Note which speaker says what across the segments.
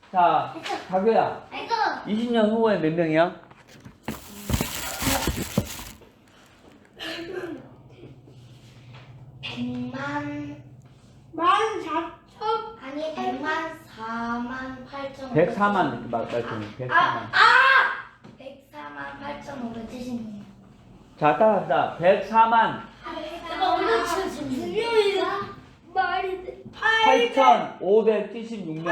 Speaker 1: 자, 다교야. 20년 후에 몇 명이야?
Speaker 2: 100만
Speaker 3: 14,000
Speaker 2: 아니 100만 4만 8천
Speaker 1: 104만 이렇게 말씀해. 104만.
Speaker 2: 104만 8,576.
Speaker 1: 자, 따라합시다. 104만
Speaker 3: 분명히 말이 돼.
Speaker 1: 8,576명.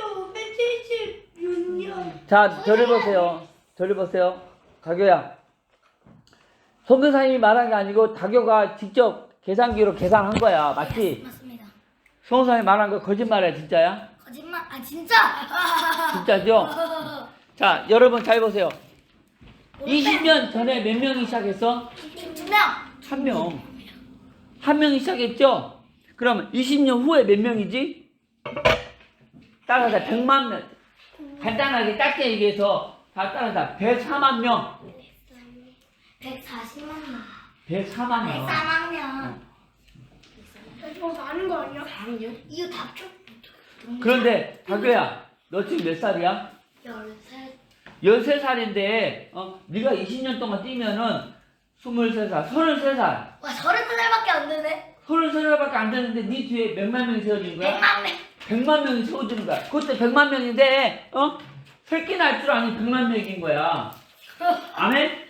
Speaker 3: 8,576년.
Speaker 1: 자, 저를 보세요. 저를 보세요. 다교야. 송교사님이 말한 게 아니고 다교가 직접 계산기로 계산한 거야. 맞지?
Speaker 2: 맞습니다.
Speaker 1: 송교사님이 말한 거 거짓말이야, 진짜야?
Speaker 2: 거짓말. 아 진짜.
Speaker 1: 진짜죠? 자, 여러분 잘 보세요. 20년 전에 몇 명이 시작했어?
Speaker 2: 2명.
Speaker 1: 한 명. 한 명이 시작했죠? 그러면 20년 후에 몇 명이지? 따라서 100만 명. 간단하게 짧게 얘기해서 다 따라서 104만 명.
Speaker 2: 140만 명.
Speaker 1: 104만 명.
Speaker 2: 104만 명.
Speaker 3: 저 아는 거 아니야?
Speaker 2: 이거 답죠?
Speaker 1: 그런데 다교야, 너 지금 몇 살이야?
Speaker 2: 13.
Speaker 1: 13살인데 네가 20년 동안 뛰면은 23살, 33살.
Speaker 2: 와 33살밖에 안 되네.
Speaker 1: 33살밖에 안 되는데 네 뒤에 몇만 명이 세워지는 거야?
Speaker 2: 100만 명.
Speaker 1: 100만 명이 세워지는 거야. 그때 100만 명인데 새끼 날 줄 아니 100만 명인 거야. 아멘?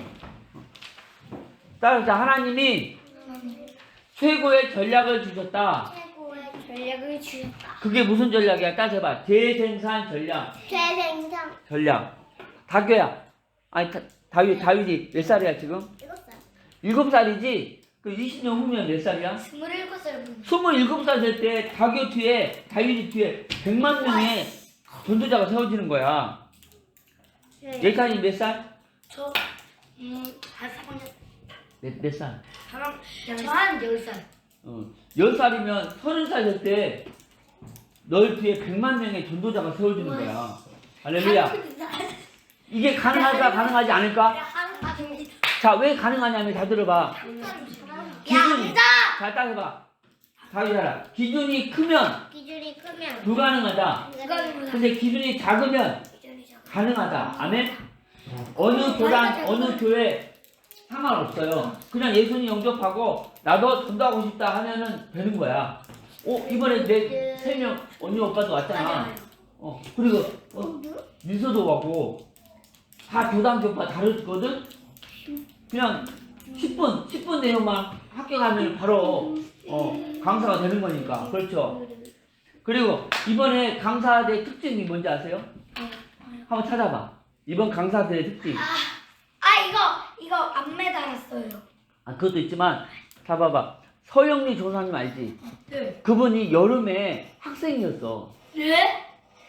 Speaker 1: 따라서 하나님이 최고의 전략을 주셨다.
Speaker 2: 최고의 전략을 주셨다.
Speaker 1: 그게 무슨 전략이야? 따져봐. 재생산 전략.
Speaker 2: 재생산.
Speaker 1: 전략. 다교야. 아니 다윗이 몇 살이야 지금?
Speaker 2: 7살.
Speaker 1: 7살이지? 그 20년 후면 몇 살이야?
Speaker 2: 27살 분.
Speaker 1: 27살 될 때 다교 뒤에 다윗이 뒤에 100만 명의 전도자가 세워지는 거야. 예찬이 몇 살?
Speaker 2: 저 한 3년.
Speaker 1: 몇 살?
Speaker 2: 저한 10살.
Speaker 1: 10살이면 30살 될 때 널 뒤에 100만 명의 전도자가 세워지는 거야. 할렐루야. 이게 가능할까 가능하지 않을까? 자, 왜 가능하냐면 다 들어봐. 기준이. 잘 따져봐. 다윗아라. 기준이 크면
Speaker 2: 기준이 크면
Speaker 1: 불가능하다. 근데 기준이 작으면 가능하다. 아멘? 어느 교단, 어느 교회 상관없어요. 그냥 예수님 영접하고 나도 전도하고 싶다 하면은 되는 거야. 이번에 내 3명 언니 오빠도 왔잖아. 그리고 민서도 왔고 다 교단 교파 다르거든? 그냥 10분 내용만 합격하면 바로 강사가 되는 거니까. 그렇죠? 그리고 이번에 강사들의 특징이 뭔지 아세요? 한번 찾아봐. 이번 강사들의 특징.
Speaker 2: 이거 안 매달았어요.
Speaker 1: 그것도 있지만 자 봐봐. 서영리 조사님 알지?
Speaker 2: 네.
Speaker 1: 그분이 여름에 학생이었어.
Speaker 2: 네?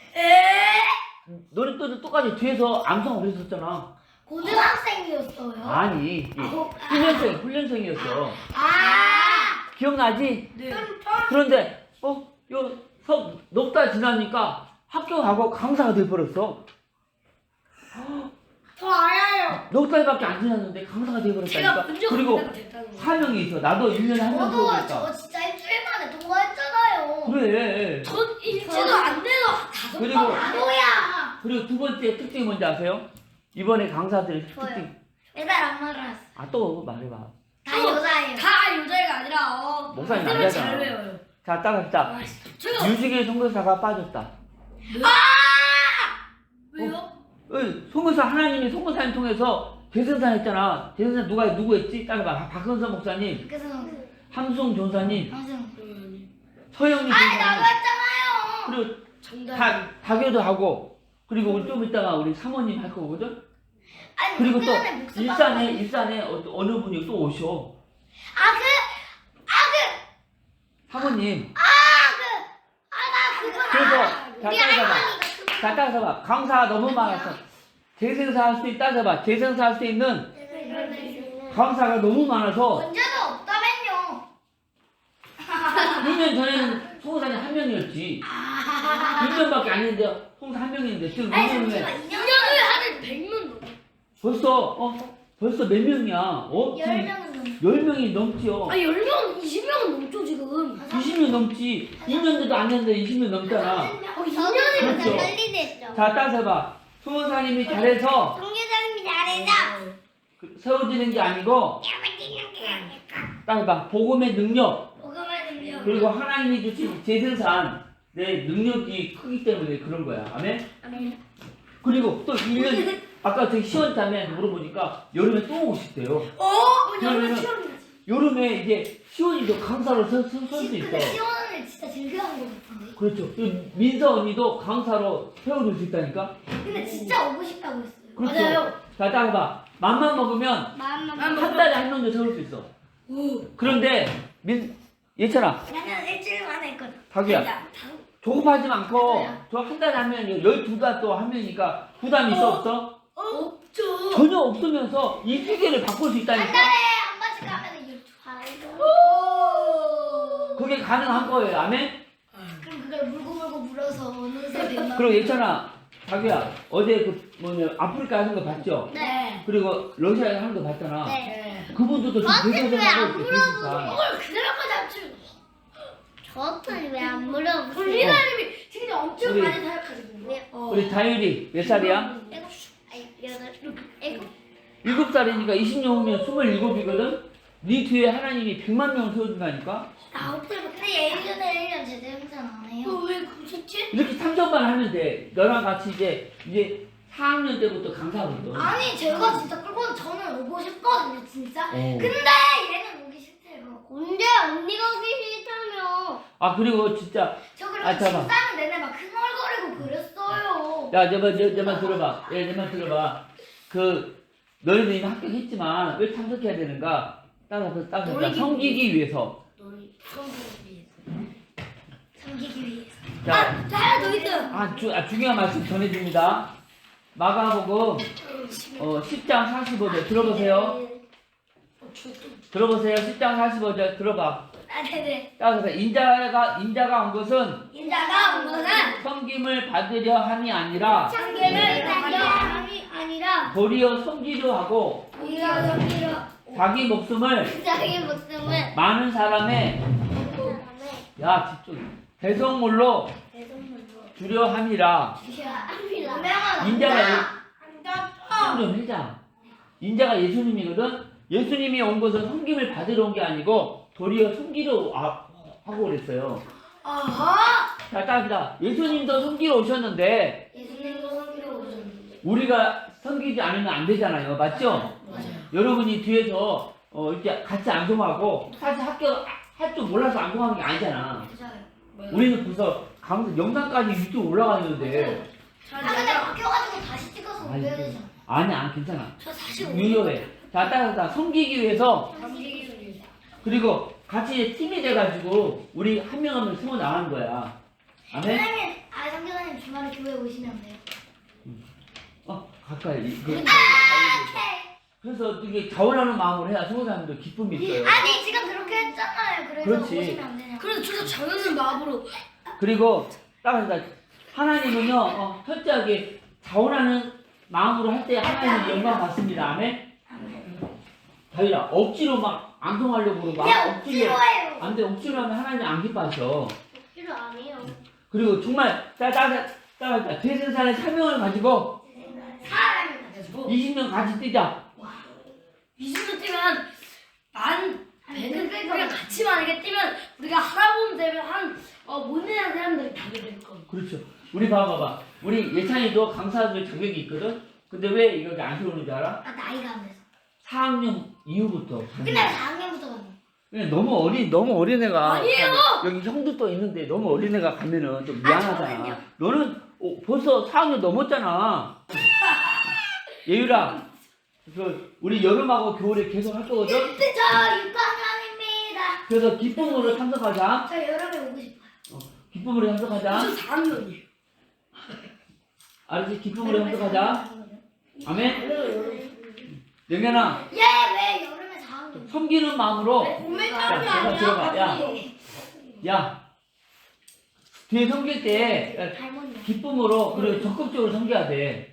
Speaker 1: 너네 또 똑같이 뒤에서 암송을 했었잖아.
Speaker 2: 고등학생이었어요.
Speaker 1: 아니 훈련생이었어. 기억나지?
Speaker 2: 네.
Speaker 1: 그런데 넉 달 지나니까 합격하고 강사가 돼버렸어.
Speaker 3: 저 알아요.
Speaker 1: 넉 달밖에 안 지났는데 강사가 돼버렸다니까. 그리고 사명이 있어. 나도 1년에 한 번
Speaker 2: 저도
Speaker 1: 수업했다.
Speaker 2: 저 진짜 일주일 만에 통과했잖아요.
Speaker 1: 그래.
Speaker 3: 전 일주일도 안 돼도
Speaker 1: 그리고
Speaker 2: 뭐야?
Speaker 1: 그리고 두 번째 특징이 뭔지 아세요? 이번에 강사들의 특징.
Speaker 2: 매달 안 말았어.
Speaker 1: 또 말해봐.
Speaker 2: 다 여자예요.
Speaker 3: 다 여자애가 아니라
Speaker 1: 목사님
Speaker 3: 잘
Speaker 1: 남자잖아.
Speaker 3: 외워요.
Speaker 1: 자, 따라합시다.
Speaker 3: 제가
Speaker 1: 유직의 선교사가 빠졌다.
Speaker 3: 왜요?
Speaker 1: 선교사 하나님이 선교사님 통해서 재생산 했잖아. 재생산 누구 했지? 따라봐. 박은선 목사님,
Speaker 2: 그래서
Speaker 1: 함승 전사님,
Speaker 2: 항상
Speaker 1: 서영리
Speaker 2: 나도
Speaker 1: 전사님,
Speaker 2: 했잖아요.
Speaker 1: 그리고
Speaker 3: 정답.
Speaker 1: 다교도 하고, 그리고 우리 좀 이따가 우리 사모님 할 거거든.
Speaker 2: 아니
Speaker 1: 그리고 또
Speaker 2: 그전에 목숨
Speaker 1: 일산에 어느 분이 또 오셔. 사모님.
Speaker 2: 나 그거
Speaker 1: 그래서 자
Speaker 2: 우리
Speaker 1: 따라서봐.
Speaker 2: 할머니가 그거
Speaker 1: 자 따라서봐. 강사가 너무 많았어. 재생사 할 수 있다. 따라서봐. 재생사 할 수 있는 강사가 너무 많아서
Speaker 2: 언제도 없다면요.
Speaker 1: 2년 전에는 송사님 한 명이었지. 2년밖에 안 했는데 송사 한 명인데 지금
Speaker 2: 아니
Speaker 1: 2년 후에
Speaker 2: 잠시만 2년
Speaker 3: 인연을 하는 100명 넘어.
Speaker 1: 벌써 몇 명이야? 지금
Speaker 2: 10명은 넘
Speaker 1: 10명이 넘지요.
Speaker 3: 10명, 20명은 넘죠 지금.
Speaker 1: 20년 넘지. 2년도 안 했는데 20년 넘잖아.
Speaker 2: 2년이면
Speaker 1: 그렇죠.
Speaker 2: 달리네. 했죠.
Speaker 1: 자, 따라서 해봐. 수호사님이 잘해서
Speaker 2: 성교사님이 잘해서.
Speaker 1: 세워지는 게 아니고, 따라서 해봐. 복음의 능력,
Speaker 2: 복음의 능력.
Speaker 1: 그리고 하나님이 주신 재생산, 내 능력이 크기 때문에 그런 거야. 아멘?
Speaker 2: 아멘.
Speaker 1: 그리고 또 1년, 아까 저기 시원tam에 물어보니까 여름에 또 오고 싶대요.
Speaker 3: 여름에
Speaker 1: 그러면은-
Speaker 3: 시원해.
Speaker 1: 여름에 이제 시원이도 강사로 설 수 있어.
Speaker 2: 근데 시원은 진짜 즐겨하는 거 같은데.
Speaker 1: 그렇죠. 그 민서 언니도 강사로 세워줄 수 있다니까?
Speaker 2: 근데 진짜 오고 싶다고 했어요.
Speaker 1: 그렇죠.
Speaker 3: 맞아요.
Speaker 1: 자, 따라해봐. 맘만 먹으면
Speaker 2: 마음만
Speaker 1: 한 달에 한 명도 세울 수 있어. 그런데, 예찬아,
Speaker 2: 나는 일주일 만에 했거든.
Speaker 1: 자기야, 조급하지 않고, 저 한 달에 한 명, 12달 또 한 명이니까 부담이 있어, 없어?
Speaker 3: 없죠.
Speaker 1: 전혀 없으면서 이 세계를 바꿀 수
Speaker 2: 한
Speaker 1: 있다니까?
Speaker 2: 달에 한 번씩 하면 유튜브.
Speaker 1: 그게 가능한 거예요. 아멘?
Speaker 2: 그럼 그걸 물고 물어서 어느새 됐나?
Speaker 1: 그리고 예찬아, 자기야, 어제 아프리카 하는 거 봤죠?
Speaker 2: 네.
Speaker 1: 그리고 러시아에 하는 거 봤잖아.
Speaker 2: 네.
Speaker 1: 그분들도
Speaker 2: 저한테
Speaker 1: 지금
Speaker 2: 왜안
Speaker 1: 대세선하고
Speaker 3: 그걸 그대로까지 합치면
Speaker 2: 저한테 왜안 물어보세요?
Speaker 3: 우리나라님이 진짜 엄청
Speaker 1: 우리-
Speaker 3: 많이 사역하시고.
Speaker 1: 우리 다율이 몇 살이야?
Speaker 2: 일곱.
Speaker 1: 7살이니까 20년 후면 27이거든? 네 뒤에 하나님이 100만 명을 세워준다니까?
Speaker 2: 아홉 살부터. 근데 얘 1년에 1년 제대 행사 안 해요.
Speaker 3: 왜 그러셨지?
Speaker 1: 이렇게 3점만 하면 돼. 너랑 같이 이제 4학년 때부터 강사거든.
Speaker 2: 아니 제가 진짜 끌고 저는 오고 싶거든요 진짜.
Speaker 1: 어.
Speaker 2: 근데 얘는 오기 싫대요. 언제 언니가 오기 싫다며?
Speaker 1: 아, 그리고 진짜,
Speaker 2: 저 그리고
Speaker 1: 아, 잠깐만.
Speaker 2: 집사는 내내 막 흥얼거리고 그랬어요.
Speaker 1: 야, 내 말 들어봐. 내 말 들어봐. 너희도 이미 합격했지만 왜 참석해야 되는가? 따라서 섬기기 위해서.
Speaker 2: 섬기기 위해서.
Speaker 1: 자,
Speaker 2: 자야 너 있어.
Speaker 1: 중요한 말씀 전해줍니다. 마가복음 10장 45절 들어보세요. 들어보세요. 10장 45절 들어봐.
Speaker 2: 아 네네.
Speaker 1: 따라서 인자가 온 것은
Speaker 2: 인자가 온 것은
Speaker 1: 섬김을 받으려 함이 아니라
Speaker 2: 참견을 받려 함이 아니라
Speaker 1: 도리어 섬기려 하고
Speaker 2: 우리가 섬기려
Speaker 1: 자기 목숨을
Speaker 2: 자기 목숨을
Speaker 1: 많은 사람의 집중 대성물로
Speaker 2: 대성물로
Speaker 1: 주려 함이라.
Speaker 2: 주셔야
Speaker 1: 인자가 좀 해자. 인자가 예수님이거든. 예수님이 온 것은 섬김을 받으러 온 게 아니고 도리어 섬기러 하고 그랬어요.
Speaker 2: 아하.
Speaker 1: 자, 따라합니다. 예수님도 섬기러 오셨는데
Speaker 2: 예수님도 섬기러 오셨는데
Speaker 1: 우리가 섬기지 않으면 안 되잖아요. 맞죠?
Speaker 2: 맞아요.
Speaker 1: 여러분이 뒤에서 이렇게 같이 안동하고 사실 할 줄 몰라서 안동하는 게 아니잖아.
Speaker 2: 맞아요.
Speaker 1: 우리는 벌써 영상까지 유튜브 올라가 있는데
Speaker 2: 근데 바뀌어가지고 다시 찍어서 올려야 되잖아.
Speaker 1: 아니야, 괜찮아.
Speaker 2: 저 사실
Speaker 1: 유효해. 자, 따라서 섬기기 위해서
Speaker 2: 섬기기 위해서.
Speaker 1: 그리고 같이 팀이 돼가지고 우리 한 명 한 명 세워 나가는 거야. 아멘?
Speaker 2: 선생님, 성교사님 주말에 교회 오시면 안 돼요?
Speaker 1: 가까이.
Speaker 2: 오케이.
Speaker 1: 그래서 이게 자원하는 마음으로 해야 성도사님도 기쁨이 있어요.
Speaker 2: 아니 지금 그렇게 했잖아요. 그래서
Speaker 1: 그렇지.
Speaker 2: 오시면 안 되냐?
Speaker 3: 그래도 저도 자연의 마음으로
Speaker 1: 그리고 따라서 하나님은요, 철저하게 자원하는 마음으로 할 때 하나님의 영광 받습니다. 아멘? 다윗아, 억지로 막 안동하려고 그러고
Speaker 2: 그냥 억지로 해요.
Speaker 1: 안 돼. 억지로 하면 하나님 안 기뻐하셔.
Speaker 2: 억지로 안 해요.
Speaker 1: 그리고 정말 따라서 재생산의 사명을 가지고
Speaker 2: 사람을 가지고
Speaker 1: 20년 같이 뛰자.
Speaker 3: 20년 뛰면 우리가 같이 만약에 뛰면 우리가 할아버지 되면 못 내는 사람들이 다 될 거예요.
Speaker 1: 그렇죠. 우리 봐봐. 우리 예찬이도 강사들 자격이 있거든. 근데 왜 여기 안 들어오는 줄 알아?
Speaker 2: 나이가 안 돼서.
Speaker 1: 4학년 이후부터.
Speaker 2: 근데 4학년부터 가면.
Speaker 1: 그냥 너무 어린 애가.
Speaker 3: 아니에요!
Speaker 1: 여기 형도 또 있는데 너무 어린 애가 가면은 좀 미안하잖아.
Speaker 2: 저는요.
Speaker 1: 너는 벌써 4학년 넘었잖아. 예유라, 우리 여름하고 겨울에 계속 할 거거든.
Speaker 2: 근데 저 6학년입니다.
Speaker 1: 그래서 기쁨으로 참석하자.
Speaker 2: 저 여름에 오고 싶어요.
Speaker 1: 기쁨으로 참석하자.
Speaker 3: 저 4학년이에요.
Speaker 1: 알았지? 기쁨으로 참석하자. 아멘. 영현아,
Speaker 2: 얘 왜 여름에 4학년?
Speaker 1: 섬기는 마음으로.
Speaker 3: 봄에
Speaker 1: 야,
Speaker 3: 따면
Speaker 1: 들어봐. 야, 뒤에 섬길 때
Speaker 2: 할머니.
Speaker 1: 기쁨으로 그리고 적극적으로 섬겨야 돼.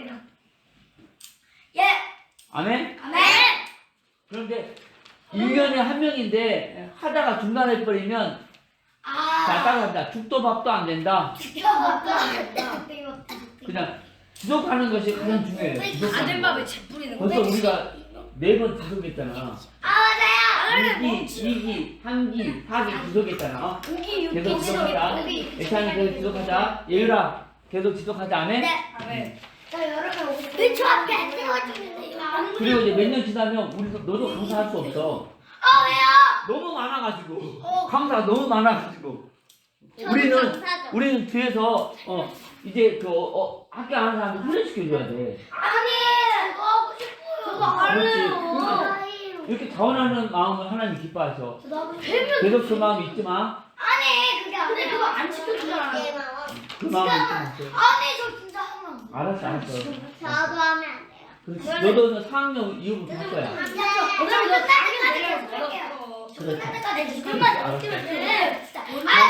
Speaker 2: 예.
Speaker 1: 아멘?
Speaker 2: 아멘.
Speaker 1: 그런데 1년에 한 명인데 하다가 중단해 버리면 자, 따라간다. 죽도 밥도 안 된다.
Speaker 2: 지켜봤다.
Speaker 1: 그냥 지속하는 것이 가장 중요해요.
Speaker 3: 안
Speaker 1: 지속하는
Speaker 3: 된
Speaker 1: 거.
Speaker 3: 밥에 재 뿌리는 거.
Speaker 1: 벌써 우리가 4번 지속했잖아.
Speaker 2: 맞아요.
Speaker 1: 2기, 2기, 3기, 4기 지속했잖아.
Speaker 3: 고기
Speaker 1: 계속
Speaker 3: 육기
Speaker 1: 지속하자. 애찬이 계속 지속하자. 예유라 계속 지속하자. 아멘?
Speaker 2: 네. 저 여러분 왜저 앞에 안 찍어주는데요?
Speaker 1: 그리고 이제 몇 년 지나면 우리도 너도 강사할 수 없어.
Speaker 2: 왜요?
Speaker 1: 너무 많아가지고 강사가 너무 많아가지고 우리는 뒤에서 이제 학교 하는 사람들 훈련시켜줘야 돼.
Speaker 2: 아니 저거 하고 싶어요. 저거
Speaker 1: 그렇지. 이렇게 자원하는 마음을 하나님 기뻐하셔.
Speaker 2: 저도 하고
Speaker 1: 계속 그 마음 잊지 마.
Speaker 2: 아니 그게 아니라
Speaker 3: 근데 그거 안 지켜주잖아.
Speaker 1: 그 마음 잊지 마.
Speaker 2: 아니 저 진짜 하면
Speaker 1: 알았어.
Speaker 2: 저도 하면 안 돼요.
Speaker 1: 그렇지. 너도 4학년 이후부터 할 거야.
Speaker 2: 어차피 너 끝날 때까지
Speaker 1: 그렇지.
Speaker 2: 때까지 지금까지 어떻게 돼? 진짜.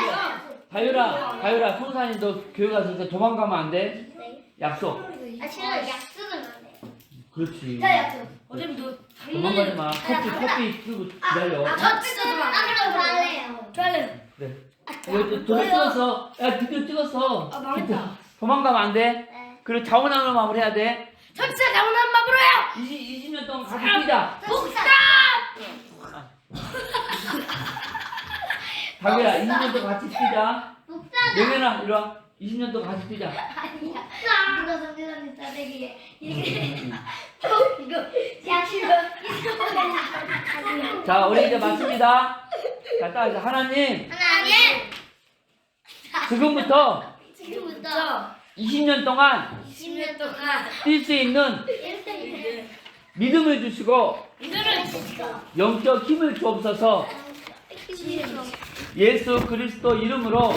Speaker 1: 다율아, 송산이 너 교회 가서 이제 도망가면 안 돼. 약속.
Speaker 2: 아 싫어 약속은 안 돼.
Speaker 1: 그렇지.
Speaker 2: 자 약속.
Speaker 3: 어차피 너
Speaker 1: 도망가지 마. 커피 들고 기다려.
Speaker 3: 저 진짜 좀 안.
Speaker 2: 아 그럼 잘래요.
Speaker 3: 좋아요.
Speaker 1: 네. 너 찍었어. 야, 드디어 찍었어.
Speaker 3: 아 망했다.
Speaker 1: 도망가면 안 돼.
Speaker 2: 네.
Speaker 1: 그리고 자원하는 마음을 해야 돼.
Speaker 3: 저 진짜 잘못한 밥으로 해요.
Speaker 1: 20년 동안 같이 뛰자.
Speaker 2: 복사.
Speaker 1: 다율아, 20년 동안 같이 뛰자.
Speaker 2: 복사.
Speaker 1: 명현아, 이리 와. 20년 동안 같이 뛰자.
Speaker 2: 아니야. 누가 선생님 따대기 이렇게
Speaker 1: 음.
Speaker 2: 이거 약속.
Speaker 1: 자, 우리 이제 마칩니다. 자, 딱 이제 하나님,
Speaker 2: 하나님.
Speaker 1: 지금부터
Speaker 2: 지금부터
Speaker 1: 20년 동안
Speaker 2: 20년 동안
Speaker 1: 뛸 수 있는
Speaker 2: 1등
Speaker 1: 믿음을 주시고
Speaker 3: 이거를
Speaker 1: 영적 힘을 주옵소서. 예수 그리스도 이름으로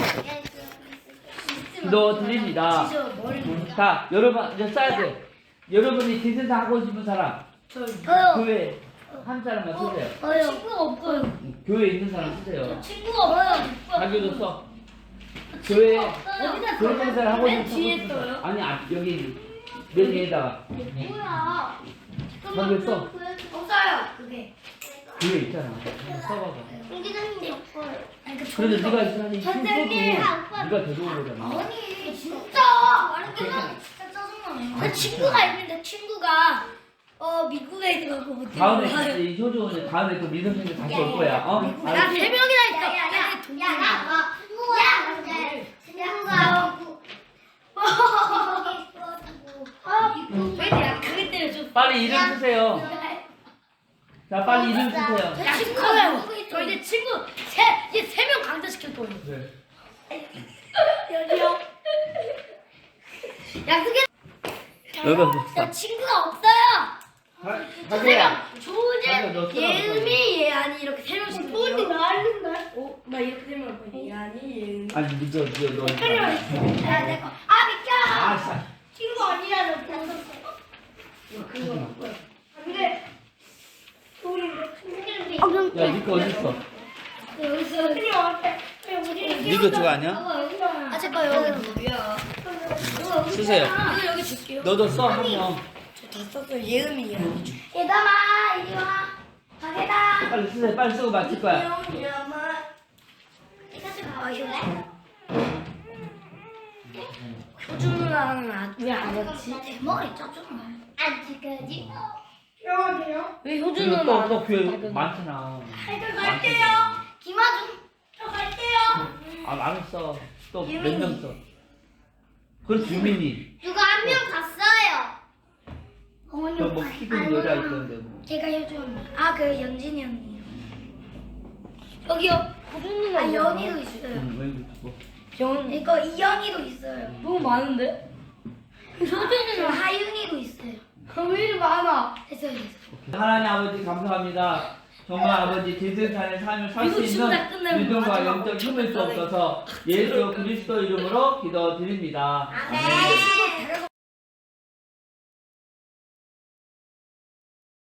Speaker 1: 기도드립니다. 자, 여러분 이제 써야 돼. 여러분이 대세사 하고 싶은 사람,
Speaker 2: 저요.
Speaker 1: 교회 한 사람만 쓰세요.
Speaker 2: 저요. 친구가 없어요.
Speaker 1: 교회에 있는 사람 쓰세요.
Speaker 2: 친구가 없어요.
Speaker 1: 자기도 써. 교회
Speaker 2: 어디다
Speaker 1: 교회 대사를 하고
Speaker 3: 맨
Speaker 1: 싶은
Speaker 3: 뒤에
Speaker 1: 사람.
Speaker 3: 써요?
Speaker 1: 아니, 여기 맨 위에다가
Speaker 2: 뭐야?
Speaker 1: 거기에 써.
Speaker 2: 없어요. 그게.
Speaker 1: 교회 있잖아. 써봐봐.
Speaker 2: 공기장님이 없어요.
Speaker 1: 그래도 네가 있으니
Speaker 2: 선생님,
Speaker 1: 힘써도 네가 데려온 거잖아.
Speaker 2: 아니 진짜 말은 끝나면 진짜 짜증나네. 내 친구가 있는데 친구가 미국에 있는 거 못.
Speaker 1: 다음에 이 효주 이제 다음에 또 믿음 생겨 다시 올 거야. 어?
Speaker 3: 나
Speaker 1: 알았지?
Speaker 3: 3명이나 있어.
Speaker 2: 야야야 친구가 근데 친구가
Speaker 3: 왜 내가 그게 때문에 좀.
Speaker 1: 빨리 이름 쓰세요. 자, 빨리 이름 쓰세요.
Speaker 3: 야 친구예요. 저 이제 친구 이제 3명 강제시킬 거예요.
Speaker 1: 네.
Speaker 2: 여기요.
Speaker 3: 약속해.
Speaker 1: 여기
Speaker 2: 저 친구가 없어요.
Speaker 1: 자기야.
Speaker 3: 조은재,
Speaker 1: 너 써라,
Speaker 3: 예은이, 예안이 이렇게 3명씩.
Speaker 2: 어디 나는데?
Speaker 3: 나 이렇게 3명 할 거야. 예안이, 예은이.
Speaker 1: 아니, 너.
Speaker 2: 야, 내 거. 아, 비켜.
Speaker 1: 아, 씨.
Speaker 2: 친구 아니라는
Speaker 3: 그거.
Speaker 2: 근데 우리
Speaker 1: 야, 니거 어디 있어?
Speaker 2: 여기서 그냥 앞에
Speaker 1: 니거 저거 아니야?
Speaker 2: 아, 제 거 여기.
Speaker 1: 쓰세요.
Speaker 3: 이거 여기 줄게요.
Speaker 1: 너도 써, 한 명.
Speaker 3: 저 다 썼어요. 예은이, 예안이.
Speaker 2: 얘들아, 이리 와. 가게다.
Speaker 1: 빨리 쓰세요. 빨리 쓰고 마칠 거야.
Speaker 3: 효준 누나는 왜안 왔지?
Speaker 2: 대머리 짜증나. 아직까지.
Speaker 3: 왜 효준
Speaker 1: 그리고
Speaker 3: 누나 안
Speaker 1: 또 교회
Speaker 3: 왔지?
Speaker 1: 많잖아.
Speaker 2: 저 갈게요. 김아준. 저 갈게요.
Speaker 1: 아, 알았어. 또 몇 명 써. 그렇지, 유민이.
Speaker 2: 누가 한 명 갔어요. 어머니
Speaker 1: 또 뭐 키큰 여자 있던데 뭐.
Speaker 2: 걔가 요즘 그 연진이 언니.
Speaker 3: 여기요. 효준 누나.
Speaker 2: 아 연희도 있어요.
Speaker 1: 응, 왜
Speaker 3: 영
Speaker 2: 이거 이연희도 있어요.
Speaker 3: 너무 많은데?
Speaker 2: 효준이는 하윤이도 있어요.
Speaker 3: 왜 이리 많아?
Speaker 2: 됐어요.
Speaker 1: 하나님 아버지 감사합니다. 정말 아버지 제생산의 삶을 살 수
Speaker 3: 이거 진짜
Speaker 1: 있는
Speaker 3: 끝내면
Speaker 1: 믿음과
Speaker 3: 마지막
Speaker 1: 영적 힘을 주옵소서 예수 그리스도 이름으로 기도드립니다.
Speaker 2: 아멘.